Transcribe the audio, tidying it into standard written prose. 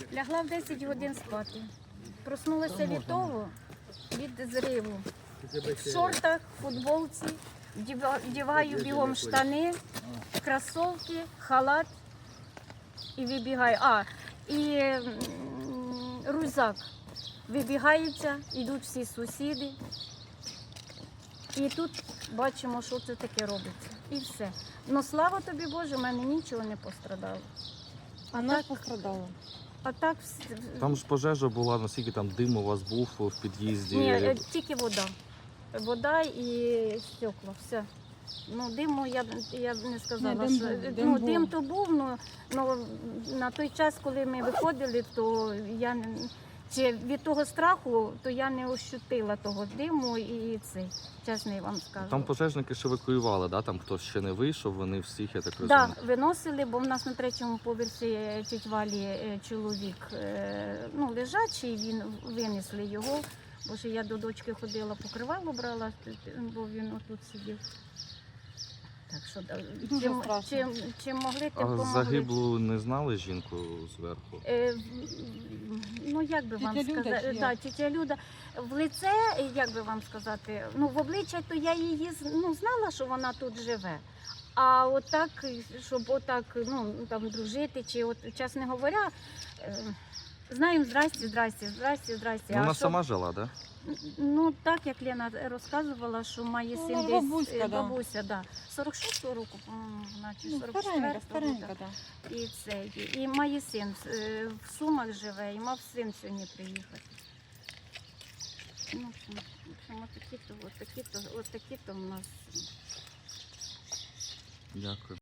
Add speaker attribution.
Speaker 1: Лягла в 10 годин спати. Проснулася від того, від зриву. В шортах, футболці, вдіваю бігом штани, кросовки, халат і вибігаю. І рюкзак. Вибігається, йдуть всі сусіди. І тут бачимо, що це таке робиться. І все. Ну, слава тобі Боже, в мене нічого не пострадало.
Speaker 2: А нас пострадало.
Speaker 1: А так
Speaker 3: Там ж пожежа була, наскільки там дим у вас був в під'їзді?
Speaker 1: ні, тільки вода. Вода і стекла, все. Ну, диму я б не сказала,
Speaker 2: Ні,
Speaker 1: що
Speaker 2: дим був.
Speaker 1: дим то був, ну на той час, коли ми виходили, то я чи від того страху, то я не ощутила того диму і цей, чесно я вам скажу.
Speaker 3: Там пожежники ж евакуювали, да? Там хтось ще не вийшов, вони всіх, я так розумію.
Speaker 1: Так, виносили, бо в нас на 3-му поверсі тіть Валі чоловік лежачий, він винесли його. Бо ж я до дочки ходила, покривало брала, бо він отут сидів. Так що
Speaker 2: Дуже страшно.
Speaker 1: чим могли, тим
Speaker 3: А
Speaker 1: помогли.
Speaker 3: загиблу не знали жінку зверху?
Speaker 1: Ну, як би вам
Speaker 2: Тітя Люда
Speaker 1: сказати,
Speaker 2: чи як?
Speaker 1: да, тітя Люда, в лице, як би вам сказати, ну, в обличчя, то я її знала, що вона тут живе. А отак, щоб отак, там, дружити, чи, чесно говоря, знаємо, здрасте.
Speaker 3: Вона сама жила, да?
Speaker 1: Ну, так, як Лена розказувала, що має
Speaker 2: Ну,
Speaker 1: син
Speaker 2: бабуська,
Speaker 1: десь,
Speaker 2: да.
Speaker 1: бабуся, да. 46-го року, по-моєму, значить, 44-го.
Speaker 2: Старенька,
Speaker 1: да.
Speaker 2: так.
Speaker 1: І це, і має син, в Сумах живе, і мав син сьогодні приїхати. Ну, в общем, отакі-то в нас.
Speaker 3: Дякую.